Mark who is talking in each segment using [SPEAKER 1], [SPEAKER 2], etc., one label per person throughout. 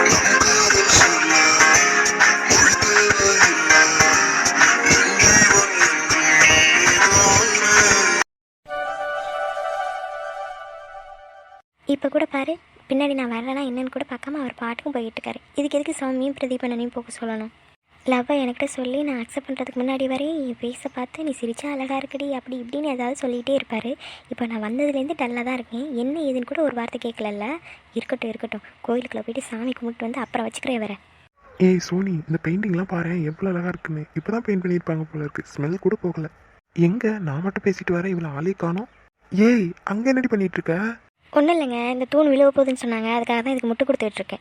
[SPEAKER 1] இப்போ கூட பாரு, பின்னாடி நான் வரலன்னா என்னன்னு கூட பார்க்காம அவர் பாட்டுக்கும் போயிட்டு இருக்காரு. இதுக்கு எதுக்கு சௌமியும் பிரதீபனையும் போக சொல்லணும்? லவ்வை என்கிட்ட சொல்லி நான் அக்செப்ட் பண்ணுறதுக்கு முன்னாடி வரையும் என் ஃபேஸை பார்த்து நீ சிரிச்சா அழகாக இருக்குடி அப்படி இப்படின்னு ஏதாவது சொல்லிகிட்டே இருப்பார். இப்போ நான் வந்ததுலேருந்து டல்லாக தான் இருக்கேன். என்ன ஏதுன்னு கூட ஒரு வார்த்தை கேட்கலல்ல. இருக்கட்டும் இருக்கட்டும், கோயிலுக்குள்ளே போயிட்டு சாமி கும்பிட்டு வந்து அப்புறம் வச்சுக்கிறேன் வர.
[SPEAKER 2] ஏய் சோனி, இந்த பெயிண்டிங்லாம் பாரு எவ்வளோ அழகாக இருக்குன்னு. இப்போ தான் பெயிண்ட் பண்ணியிருப்பாங்க போல இருக்கு. ஸ்மெல் கூட போகலை. எங்கே நான் மட்டும் பேசிட்டு வரேன், இவ்வளோ ஆளே காணோம். ஏய் அங்கே என்னடி பண்ணிட்டு இருக்க?
[SPEAKER 1] ஒன்றும் இல்லைங்க, இந்த தூண் விழுவ போகுதுன்னு சொன்னாங்க, அதுக்காக தான் இதுக்கு முட்டு கொடுத்துட்ருக்கேன்.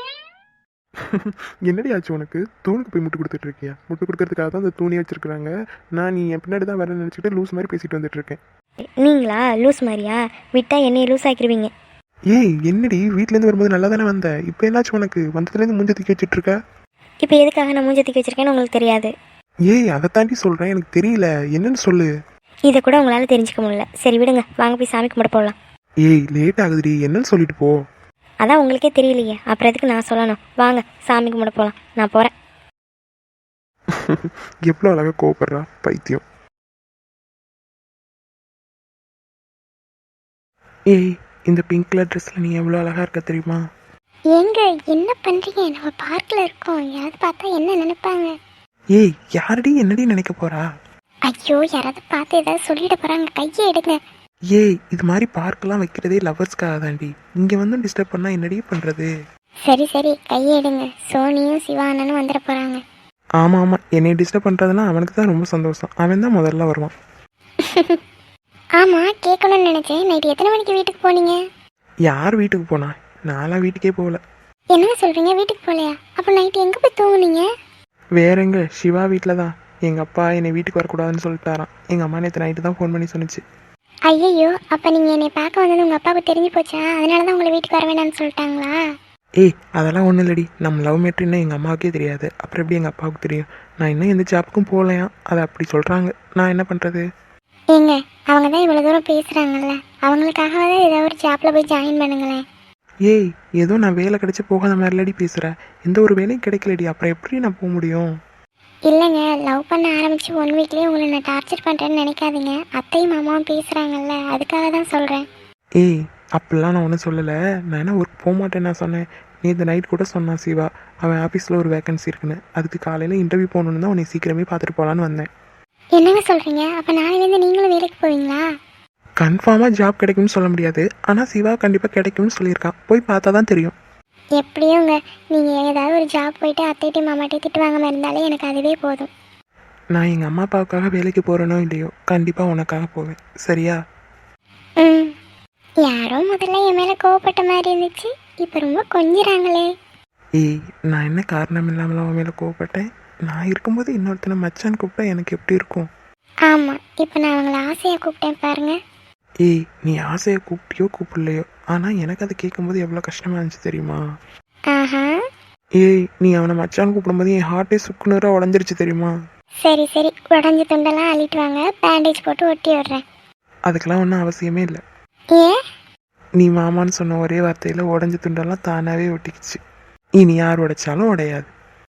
[SPEAKER 2] என்னடி ஆச்சு உனக்கு? தூணுக்கு போய் முட்டு கொடுத்துட்டு இருக்கியா? முட்டு கொடுக்கறதுக்காக தான் அந்த தூணி வச்சிருக்காங்க. நான் நீ என் பின்னாடி தான் வரேன்னு நினச்சிட்டு லூஸ் மாதிரி பேசிட்டு வந்துட்டு இருக்கேன்.
[SPEAKER 1] நீங்களா லூஸ் மாதிரியா? விட்டால் என்னையை லூஸ் ஆக்கிடுவீங்க.
[SPEAKER 2] ஏய் என்னடி, வீட்டிலேருந்து வரும்போது நல்லா தானே வந்த, இப்போ என்னாச்சு உனக்கு? வந்ததுலேருந்து மூஞ்ச தூக்கி வச்சுட்டு இருக்க.
[SPEAKER 1] இப்போ எதுக்காக நான் மூஞ்ச தூக்கி வச்சிருக்கேன்னு உங்களுக்கு தெரியாது.
[SPEAKER 2] ஏய் அதை தாண்டி சொல்கிறேன், எனக்கு தெரியல, என்னன்னு சொல்லு.
[SPEAKER 1] இதை கூட உங்களால் தெரிஞ்சுக்க முடியல. சரி விடுங்க, வாங்க போய் சாமி கும்பிட போகலாம்.
[SPEAKER 2] ஏய் லேட் ஆகுதுடி, என்னன்னு சொல்லிட்டு போ.
[SPEAKER 1] அதான் உங்களுக்கே தெரியலையே, அப்புறம் எதுக்கு நான் சொல்லணும்? வாங்க சாமி கும்பிட போகலாம், நான் போகிறேன்.
[SPEAKER 2] எவ்வளோ அழகாக கோவப்படுறா பைத்தியம். ஏய் இந்த பிங்க் கலர் ட்ரெஸ்ஸில் நீ எவ்வளோ அழகாக இருக்க தெரியுமா?
[SPEAKER 1] ஏங்க என்ன பண்ணுறீங்க? நம்ம பார்க்கில் இருக்கோம், யாராவது பார்த்தா என்ன நினைப்பாங்க?
[SPEAKER 2] ஏய் யாரடி என்னடி நினைக்க போறா?
[SPEAKER 1] ஐயோ, யாராவது பார்த்து ஏதாவது சொல்லிட போகிறாங்க, கையை எடுங்க.
[SPEAKER 2] ஏய் இது மாதிரி பார்க்கெல்லாம் வைக்கிறதே லவர்ஸ்க்காக தாண்டி. இங்கே வந்து டிஸ்டர்ப் பண்ணால் என்னடி பண்ணுறது?
[SPEAKER 1] சரி சரி, கையை எடுங்க. சோனியும் சிவானனும் வந்துட போகிறாங்க.
[SPEAKER 2] ஆமாம் ஆமாம், என்னை டிஸ்டர்ப் பண்ணுறதுனா அவனுக்கு தான் ரொம்ப சந்தோஷம். அவன் தான் முதல்ல வருவான்.
[SPEAKER 1] ஆமாம், கேட்கணும்னு நினச்சேன். நைட்டு எத்தனை மணிக்கு வீட்டுக்கு போனீங்க?
[SPEAKER 2] யார் வீட்டுக்கு போனா? நான்லாம் வீட்டுக்கே போகல.
[SPEAKER 1] என்ன சொல்கிறீங்க, வீட்டுக்கு போகலையா? அப்போ நைட்டு எங்கே போய் தூங்குனீங்க?
[SPEAKER 2] வேற எங்க, சிவா வீட்டில் தான். எங்கள் அப்பா என்னை வீட்டுக்கு வரக்கூடாதுன்னு சொல்லிட்டாரான். எங்கள் அம்மா நேற்று நைட்டு தான் ஃபோன் பண்ணி சொன்னிச்சு.
[SPEAKER 1] ஐயோ, அப்போ நீங்கள் என்னை பார்க்க வந்தது உங்கள் அப்பாவுக்கு தெரிஞ்சு போச்சா? அதனால தான் உங்களை வீட்டுக்கு வர வேண்டாம்னு சொல்லிட்டாங்களா?
[SPEAKER 2] ஏய் அதெல்லாம் ஒன்றும் இல்லடி, நம்ம லவ் மேட்ருன்னு எங்கள் அம்மாவுக்கே தெரியாது, அப்புறம் எப்படி எங்கள் அப்பாவுக்கு தெரியும்? நான் இன்னும் எந்த ஜாப்புக்கும் போகலையா, அதை அப்படி சொல்கிறாங்க. நான் என்ன பண்ணுறது?
[SPEAKER 1] ஏங்க, அவங்க தான் இவ்வளோ தூரம் பேசுகிறாங்கல்ல, அவங்களுக்காகவே ஏதாவது ஒரு ஜாப்பில் போய் ஜாயின் பண்ணுங்களேன்.
[SPEAKER 2] ஏய் ஏதோ நான் வேலை கிடைச்சி போகாத மாதிரிலடி பேசுகிறேன். எந்த ஒரு வேலையும் கிடைக்கலடி, அப்புறம் எப்படி நான் போக முடியும்?
[SPEAKER 1] இல்லைங்க, லவ் பண்ண ஆரம்பித்து 1 வீக்லேயே உங்களை நான் டார்ச்சர் பண்ணுறேன்னு நினைக்காதீங்க. அத்தையும் மாமாவும் பேசுகிறாங்கல்ல, அதுக்காக தான் சொல்கிறேன்.
[SPEAKER 2] ஏய் அப்படிலாம் நான் ஒன்றும் சொல்லலை. நான் என்ன ஒர்க் போக மாட்டேன்னு நான் சொன்னேன். நேற்று நைட் கூட சொன்னான் சிவா, அவன் ஆஃபீஸில் ஒரு வேகன்சி இருக்குன்னு. அதுக்கு காலையில் இன்டர்வியூ போகணுன்னு தான் உன்னை சீக்கிரமே பார்த்துட்டு போகலான்னு வந்தேன்.
[SPEAKER 1] என்னங்க சொல்கிறீங்க? அப்போ நாளையிலேருந்து நீங்களும் வேலைக்கு போவீங்களா?
[SPEAKER 2] கன்ஃபார்மாக ஜாப் கிடைக்கும்னு சொல்ல முடியாது, ஆனால் சிவா கண்டிப்பாக கிடைக்கும்னு சொல்லியிருக்கான். போய் பார்த்தா தான் தெரியும்.
[SPEAKER 1] எப்படியோங்க, நீங்கள் ஏதாவது ஒரு ஜாப் போயிட்டு அத்தைட்டையும் மாமாட்டையும் திட்டு வாங்காமல் இருந்தாலே எனக்கு அதுவே போதும்.
[SPEAKER 2] நான் எங்கள் அம்மா அப்பாவுக்காக வேலைக்கு போகிறேனோ இல்லையோ, கண்டிப்பாக உனக்காக போவேன், சரியா?
[SPEAKER 1] ம், யாரோ முதல்ல என் மேலே கோவப்பட்ட மாதிரி இருந்துச்சு, இப்போ ரொம்ப கொஞ்சிறாங்களே.
[SPEAKER 2] ஏய் நான் என்ன காரணம் இல்லாமல் அவன் மேலே கோவப்பட்டேன்? நான் இருக்கும்போது இன்னொருத்தனை மச்சான் கூப்பிட்டா எனக்கு எப்படி இருக்கும்?
[SPEAKER 1] ஆமாம், இப்போ நான் அவங்கள ஆசையாக கூப்பிட்டேன் பாருங்க.
[SPEAKER 2] ஏய் நீ ஆசையை கூப்பிட்டியோ கூப்பிடலையோ, ஆனால் எனக்கு அதை கேட்கும்போது எவ்வளோ கஷ்டமாக இருந்துச்சு தெரியுமா?
[SPEAKER 1] ஆஹா,
[SPEAKER 2] ஏய் நீ அவனை மச்சான் கூப்பிடும்போது என் ஹார்ட்டே சுக்குநூறாக உடஞ்சிருச்சு தெரியுமா?
[SPEAKER 1] சரி சரி, உடஞ்ச துண்டெல்லாம் அள்ளிட்டு வாங்க, பேண்டேஜ் போட்டு ஒட்டி விடுறேன்.
[SPEAKER 2] அதுக்கெல்லாம் ஒன்றும் அவசியமே இல்லை.
[SPEAKER 1] ஏன்?
[SPEAKER 2] நீ மாமான்னு சொன்ன ஒரே வார்த்தையில் உடஞ்ச துண்டெல்லாம் தானாகவே ஒட்டிக்கிச்சு. இனி யார் உடைச்சாலும் உடையாது.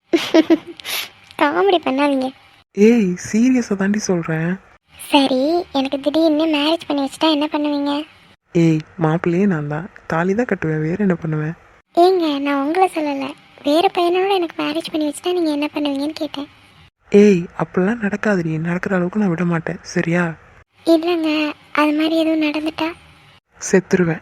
[SPEAKER 1] காமெடி பண்ணாதீங்க.
[SPEAKER 2] ஏய் சீரியஸாக தாண்டி சொல்கிறேன்.
[SPEAKER 1] சரி, எனக்கு திடீர்னு மேரேஜ் பண்ணி வச்சுட்டா என்ன பண்ணுவீங்க?
[SPEAKER 2] ஏய் மாப்பிள்ளையே நான் தான், தாலி தான் கட்டுவேன், வேறு என்ன பண்ணுவேன்?
[SPEAKER 1] ஏங்க, நான் உங்களை சொல்லலை, வேறு பையனோட எனக்கு மேரேஜ் பண்ணி வச்சுட்டா நீங்கள் என்ன பண்ணுவீங்கன்னு கேட்டேன்.
[SPEAKER 2] ஏய் அப்படிலாம் நடக்காதுடி, நடக்கிற அளவுக்கு நான் விட மாட்டேன், சரியா?
[SPEAKER 1] இல்லைங்க, அது மாதிரி எதுவும் நடந்துட்டா?
[SPEAKER 2] செத்துருவேன்.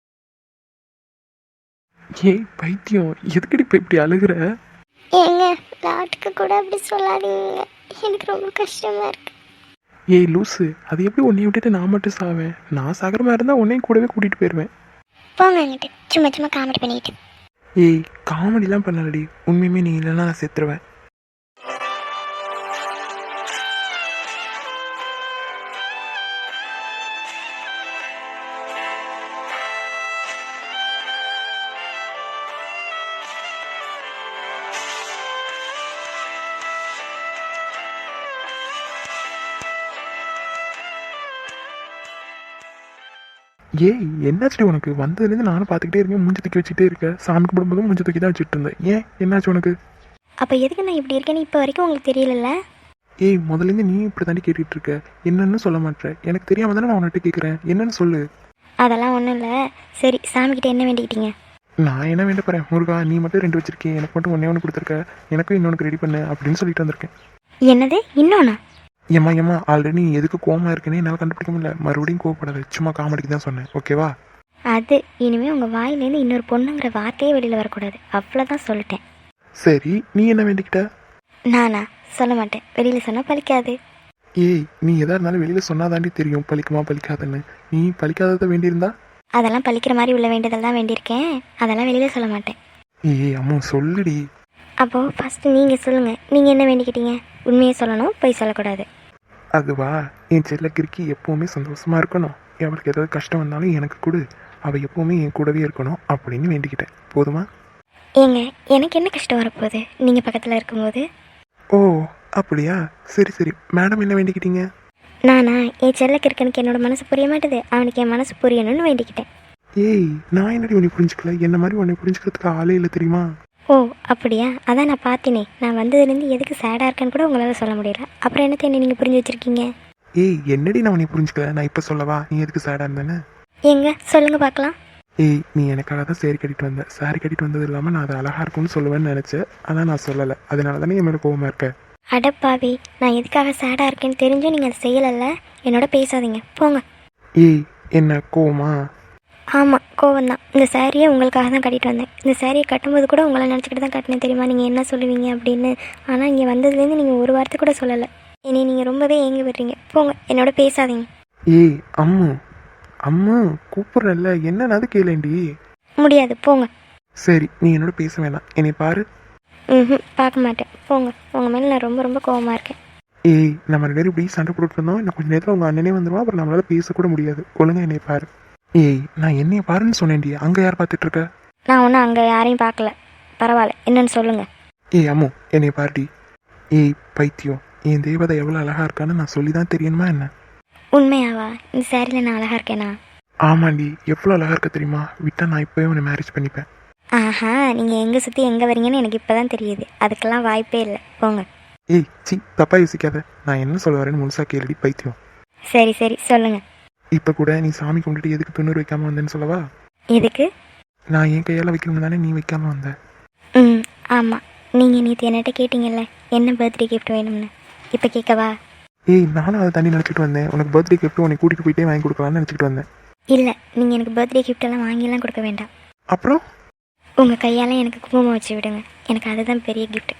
[SPEAKER 2] ஏய் பைத்தியம், எதுக்கடி இப்போ இப்படி அழுகுற?
[SPEAKER 1] ஏங்க, லாட்டுக்கு கூட அப்படி சொல்லாதீங்க, எனக்கு ரொம்ப கஷ்டமா இருக்கு.
[SPEAKER 2] ஏய் லூஸு, அது எப்படி உன்னை விட்டுட்டு நான் மட்டும் சாவேன்? நான் சாகிற மாதிரி இருந்தால் உன்னையும் கூடவே கூட்டிகிட்டு போயிடுவேன்.
[SPEAKER 1] போங்க அங்கிட்டு, சும்மா சும்மா காமெடி பண்ணிட்டு.
[SPEAKER 2] ஏய் காமெடிலாம் பண்ணலடி, உண்மையுமே நீ இல்லைன்னா நான் செத்துருவேன். ஏய் என்னாச்சு உனக்கு? வந்ததுலேருந்து நானும் பார்த்துக்கிட்டே இருக்கேன், மூஞ்சி தூக்கி வச்சுட்டே இருக்க. சாமி கும்பிடும்போதும் மூஞ்சி தூக்கி தான் வச்சுட்டு இருந்தேன். ஏன் என்னாச்சு உனக்கு?
[SPEAKER 1] அப்போ எதுக்கு நான் இப்படி இருக்கேன்னு இப்போ வரைக்கும் உங்களுக்கு தெரியலல்ல?
[SPEAKER 2] ஏய் முதல்லேருந்து நீ இப்படி தாண்டி கேட்டுட்டு இருக்க, என்னன்னு சொல்ல மாட்டேன். எனக்கு தெரியாம தானே நான் உன்கிட்ட கேட்குறேன், என்னன்னு சொல்லு.
[SPEAKER 1] அதெல்லாம் ஒன்றும் இல்லை. சரி, சாமிக்கிட்ட என்ன வேண்டிக்கிட்டீங்க?
[SPEAKER 2] நான் என்ன வேண்ட போகிறேன், முருகா நீ மட்டும் 2 வச்சிருக்கேன், எனக்கு மட்டும் ஒன்று கொடுத்துருக்க, எனக்கும் இன்னொன்று ரெடி பண்ணு அப்படின்னு சொல்லிட்டு வந்திருக்கேன்.
[SPEAKER 1] என்னது இன்னொன்னா?
[SPEAKER 2] ஏம்மா ஆல்ரெடி நீ எதுக்கு கோவமா இருக்குன்னு என்னால் கண்டுபிடிக்க முடியல. மறுபடியும் கோவப்படாத, சும்மா காமெடிக்கு தான் சொன்னேன், ஓகேவா?
[SPEAKER 1] அது இனிமேல் உங்கள் வாயிலேருந்து இன்னொரு பொண்ணுங்கிற வார்த்தையே வெளியில் வரக்கூடாது, அவ்வளோதான் சொல்லிட்டேன்.
[SPEAKER 2] சரி நீ என்ன வேண்டிக்கிட்ட?
[SPEAKER 1] நானா சொல்ல மாட்டேன், வெளியில் சொன்னால் பலிக்காது.
[SPEAKER 2] ஏய் நீ எதா இருந்தாலும் வெளியில் சொன்னாதாண்டி தெரியும் பலிக்குமா பலிக்காதுன்னு. நீ பலிக்காததை வேண்டியிருந்தா?
[SPEAKER 1] அதெல்லாம் பலிக்கிற மாதிரி உள்ள வேண்டியதெல்லாம் வேண்டியிருக்கேன், அதெல்லாம் வெளியில் சொல்ல மாட்டேன்.
[SPEAKER 2] ஏய் அம்மா சொல்லுடி.
[SPEAKER 1] அப்போது ஃபஸ்ட்டு நீங்கள் சொல்லுங்கள், நீங்கள் என்ன வேண்டிக்கிட்டீங்க? உண்மையை சொல்லணும், பொய் சொல்லக்கூடாது.
[SPEAKER 2] அதுவா, என் செல்ல கிறுக்கி எப்போவுமே சந்தோஷமாக இருக்கணும், அவளுக்கு ஏதாவது கஷ்டம் வந்தாலும் எனக்கு கொடு, அவள் எப்போவுமே என் கூடவே இருக்கணும் அப்படின்னு வேண்டிக்கிட்டேன். போதுமா?
[SPEAKER 1] ஏங்க எனக்கு என்ன கஷ்டம் வரப்போகுது நீங்கள் பக்கத்தில் இருக்கும்போது?
[SPEAKER 2] ஓ அப்படியா, சரி சரி. மேடம் என்ன வேண்டிக்கிட்டீங்க?
[SPEAKER 1] நானா என் செல்லக்கு இருக்கனுக்கு என்னோட மனசு புரிய மாட்டுது, அவனுக்கு என் மனசு புரியணும்னு வேண்டிக்கிட்டேன்.
[SPEAKER 2] ஏய் நான் என்னடி உன்னை புரிஞ்சுக்கல, என்ன மாதிரி உன்னை புரிஞ்சுக்கிறதுக்கு ஆளே இல்லை தெரியுமா?
[SPEAKER 1] ஓ அப்படியா, அதான் நான் பார்த்தேனே. நான் வந்ததுலேருந்து எதுக்கு சேடாக இருக்கேன்னு கூட உங்களால் சொல்ல முடியல, அப்புறம் என்னத்தை என்ன நீங்கள் புரிஞ்சு வச்சுருக்கீங்க?
[SPEAKER 2] ஏய் என்னடி நான் உன்னை புரிஞ்சுக்கல, நான் இப்போ சொல்லவா நீ எதுக்கு சேடாக இருந்தேன்னு?
[SPEAKER 1] எங்க சொல்லுங்கள் பார்க்கலாம்.
[SPEAKER 2] ஏய் நீ எனக்காக தான் சேரீ கட்டிட்டு வந்த, சாரி கட்டிட்டு வந்தது இல்லாமல் நான் அதை அழகாக இருக்கும்னு சொல்லுவேன்னு நினச்சேன், ஆனால் நான் சொல்லலை, அதனால தானே என் மேலே கோவமாக இருக்க.
[SPEAKER 1] அடப்பாவி, நான் எதுக்காக சேடாக இருக்கேன்னு தெரிஞ்சும் நீங்கள் அதை செய்யலைல்ல, என்னோட பேசாதீங்க போங்க.
[SPEAKER 2] ஏய் என்ன கோவமா?
[SPEAKER 1] ஆமாம் கோவம்தான். இந்த சாரியை உங்களுக்காக தான் கட்டிட்டு வந்தேன். இந்த சாரியை கட்டும்போது கூட உங்களை நினச்சிக்கிட்டு தான் கட்டினேன் தெரியுமா, நீங்கள் என்ன சொல்லுவீங்க அப்படின்னு. ஆனால் இங்கே வந்ததுலேருந்து நீங்கள் ஒரு வார்த்தை கூட சொல்லலை. என்னை நீங்கள் ரொம்பவே ஏங்கி விடுறீங்க, போங்க என்னோட பேசாதீங்க.
[SPEAKER 2] ஏய் அம்மு அம்மு கூப்பிட்றல்ல, என்னன்னாது கேளேண்டி.
[SPEAKER 1] முடியாது போங்க.
[SPEAKER 2] சரி நீ என்னோட பேச வேணாம், என்னை பாரு.
[SPEAKER 1] ம் பார்க்க மாட்டேன், போங்க. உங்கள் மேலே நான் ரொம்ப ரொம்ப கோவமாக இருக்கேன்.
[SPEAKER 2] ஏய் நம்ம 2 பேரும் இப்படி சண்டை போட்டுட்டு இருந்தோம், இன்னும் கொஞ்சம் நேரத்தில் உங்கள் அண்ணனே வந்துடுவான், அப்புறம் நம்மளால பேசக்கூட முடியாது. ஒழுங்கா என்னை பாரு. ஏய் நான் என்னைய பாருன்னு சொன்னேன்டி, அங்கே யார் பார்த்துட்டு இருக்க?
[SPEAKER 1] நான் ஒன்றும் அங்கே யாரையும் பார்க்கல, பரவாயில்ல என்னன்னு சொல்லுங்கள்.
[SPEAKER 2] ஏய் அம்மு என்னை பாருடி. ஏய் பைத்தியம், என் தேவதை எவ்வளோ அழகா இருக்கான்னு நான் சொல்லி தான் தெரியணுமா என்ன?
[SPEAKER 1] உண்மையாவா? இந்த சாரியில் நான் அழகாக இருக்கேனா?
[SPEAKER 2] ஆமாண்டி, எவ்வளோ அழகா இருக்க தெரியுமா, விட்டா நான் இப்போவே உன்னை மேரேஜ் பண்ணிப்பேன்.
[SPEAKER 1] ஆஹா, நீங்கள் எங்கே சுற்றி எங்கே வரீங்கன்னு எனக்கு இப்போ தான் தெரியுது, அதுக்கெல்லாம் வாய்ப்பே இல்லை, போங்க.
[SPEAKER 2] ஏய் சி தப்பா யோசிக்காத, நான் என்ன சொல்ல வரேன்னு முழுசா கேளுடி பைத்தியம்.
[SPEAKER 1] சரி சரி சொல்லுங்கள்.
[SPEAKER 2] இப்போ கூட நீ சாமி கும்பிட்டுட்டு எதுக்கு துண்ணூறு வைக்காம வந்தேன்னு சொல்லவா?
[SPEAKER 1] எதுக்கு?
[SPEAKER 2] நான் என் கையால் வைக்கணும் தானே நீ வைக்காம வந்த.
[SPEAKER 1] ம் ஆமாம், நீங்கள் நேற்று என்கிட்ட கேட்டிங்கல்ல என்ன பர்த்டே கிஃப்ட் வேணும்னு, இப்போ கேட்கவா?
[SPEAKER 2] ஏய் நானும் அதை தண்ணி நினச்சிட்டு வந்தேன், உனக்கு பர்த்டே கிஃப்ட் உனக்கு கூட்டிகிட்டு போயிட்டே வாங்கி கொடுக்கலான்னு நினச்சிட்டு வந்தேன்.
[SPEAKER 1] இல்லை, நீங்கள் எனக்கு பர்த்டே கிஃப்டெல்லாம் வாங்கிலாம் கொடுக்க வேண்டாம்.
[SPEAKER 2] அப்புறம்
[SPEAKER 1] உங்கள் கையால் எனக்கு குங்குமம் வச்சு விடுங்க, எனக்கு அதுதான் பெரிய கிஃப்ட்.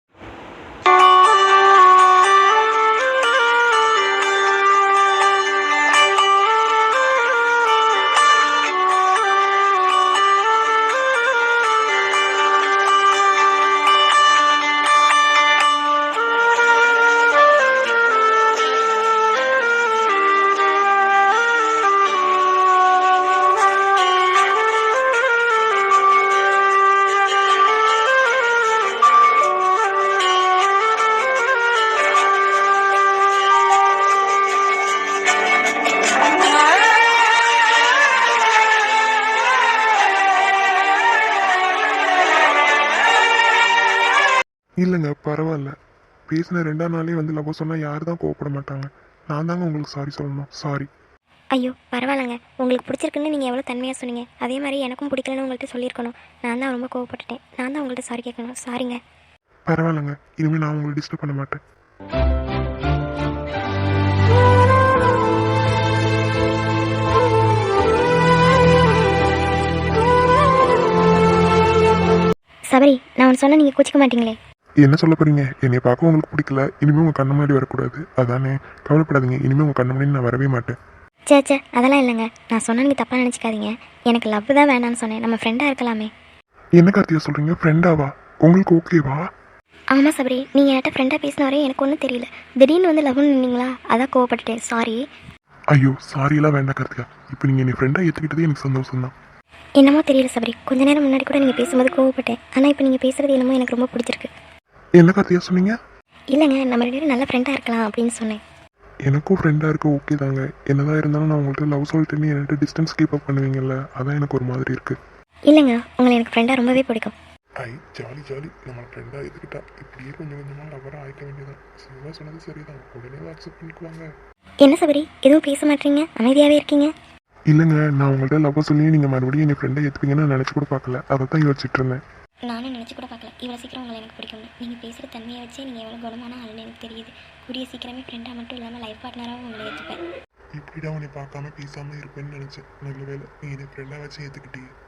[SPEAKER 2] இல்லைங்க பரவாயில்ல, பேசின 2ஆம் நாளே வந்து லவ் சொன்னால் யார் தான் கோவப்பட மாட்டாங்க. நான் தாங்க உங்களுக்கு சாரி சொல்லணும், சாரி.
[SPEAKER 1] ஐயோ பரவாயில்லைங்க, உங்களுக்கு பிடிச்சிருக்குன்னு நீங்கள் எவ்வளோ தன்மையாக சொன்னீங்க, அதே மாதிரி எனக்கும் பிடிக்கலன்னு உங்கள்கிட்ட சொல்லியிருக்கணும். நான் தான் ரொம்ப கோவப்பட்டுட்டேன், நான் தான் உங்கள்கிட்ட சாரி கேட்கணும், சாரிங்க.
[SPEAKER 2] பரவாயில்லைங்க, இனிமேல் நான் உங்களை டிஸ்டர்ப் பண்ண மாட்டேன்.
[SPEAKER 1] சபரி, நான் ஒன்று சொன்னால் நீங்கள் கோச்சிக்க மாட்டீங்களே?
[SPEAKER 2] என்ன சொல்ல போறீங்க? என்னை பார்க்க உங்களுக்கு பிடிக்கல, இனிமேல் உங்கள் கண்ணு முன்னாடி வரக்கூடாது அதானே? கவலைப்படாதீங்க, இனிமேல் உங்கள் கண்ணு முன்னாடி நான் வரவே மாட்டேன்.
[SPEAKER 1] சே அதெல்லாம் இல்லைங்க, நான் சொன்னால் நீங்கள் தப்பாக நினச்சிக்காதீங்க. எனக்கு லவ் தான் வேணான்னு சொன்னேன், நம்ம ஃப்ரெண்டாக இருக்கலாமே.
[SPEAKER 2] என்ன கார்த்தியா சொல்கிறீங்க? ஃப்ரெண்டாவா? உங்களுக்கு ஓகேவா?
[SPEAKER 1] ஆமாம் சபரி, நீங்கள் என்கிட்ட ஃப்ரெண்டாக பேசின வரையும் எனக்கு ஒன்றும் தெரியல, திடீர்னு வந்து லவ்னு நின்னீங்களா, அதான் கோவப்பட்டுட்டேன், சாரி.
[SPEAKER 2] ஐயோ சாரியெல்லாம் வேண்டாம் கார்த்திகா, இப்போ நீங்கள் என்னை ஃப்ரெண்டாக ஏற்றுக்கிட்டதே எனக்கு சந்தோஷம் தான்.
[SPEAKER 1] என்னமோ தெரியல சபரி, கொஞ்ச நேரம் முன்னாடி கூட நீங்கள் பேசும்போது கோவப்பட்டேன், ஆனால் இப்போ நீங்கள் பேசுகிறது என்னமோ எனக்கு ரொம்ப பிடிச்சிருக்கு.
[SPEAKER 2] என்ன கார்த்தியா சொன்னீங்க?
[SPEAKER 1] இல்லைங்க, நம்ம 2 பேரும் நல்ல ஃப்ரெண்டாக இருக்கலாம் அப்படின்னு சொன்னேன்.
[SPEAKER 3] எனக்கும் ஃப்ரெண்டாக இருக்க ஓகே தாங்க. என்னதான் இருந்தாலும் நான் உங்கள்கிட்ட லவ் சொல்லிட்டுன்னு என்கிட்ட டிஸ்டன்ஸ் கீப் அப் பண்ணுவீங்கல்ல, அதான் எனக்கு ஒரு மாதிரி இருக்குது.
[SPEAKER 1] இல்லைங்க, உங்களை எனக்கு ஃப்ரெண்டாக ரொம்பவே பிடிக்கும்.
[SPEAKER 3] ஐ ஜாலி ஜாலி. நம்ம ஃப்ரெண்டாக இதுக்கிட்டா இப்படியே கொஞ்சம் கொஞ்சமாக லவராக ஆயிக்க வேண்டியதான். சிவா சொன்னது சரிதான், உடனே அக்செப்ட் பண்ணிக்குவாங்க.
[SPEAKER 1] என்ன சபரி, எதுவும் பேச மாட்டீங்க, அமைதியாகவே இருக்கீங்க?
[SPEAKER 3] இல்லைங்க, நான் உங்கள்கிட்ட லவ் சொல்லி நீங்கள் மறுபடியும் என் ஃப்ரெண்டை ஏற்றுப்பீங்கன்னு நான் நினச்சி கூட பார்க்கல. அதை தான் யோசிச்சுட்டு இருந்தேன்.
[SPEAKER 1] நானும் நினச்சி கூட பார்க்கல இவ்வளோ சீக்கிரம் உங்களை எனக்கு பிடிக்கும்னு. நீங்கள் பேசுகிற தன்மையை வச்சே நீங்கள் எவ்வளோ குணமான ஆளுன்னு எனக்கு தெரியுது. கூடிய சீக்கிரமே ஃப்ரெண்டாக மட்டும் இல்லாமல் லைஃப் பார்ட்னராகவும் உங்களை ஏற்றுப்பேன்.
[SPEAKER 3] இப்படிதான் உன்னை பார்க்காம பேசாமல் இருப்பேன்னு நினச்சேன். நல்ல வேலை நீ என்னை ஃப்ரெண்டாக வச்சு ஏற்றுக்கிட்டே.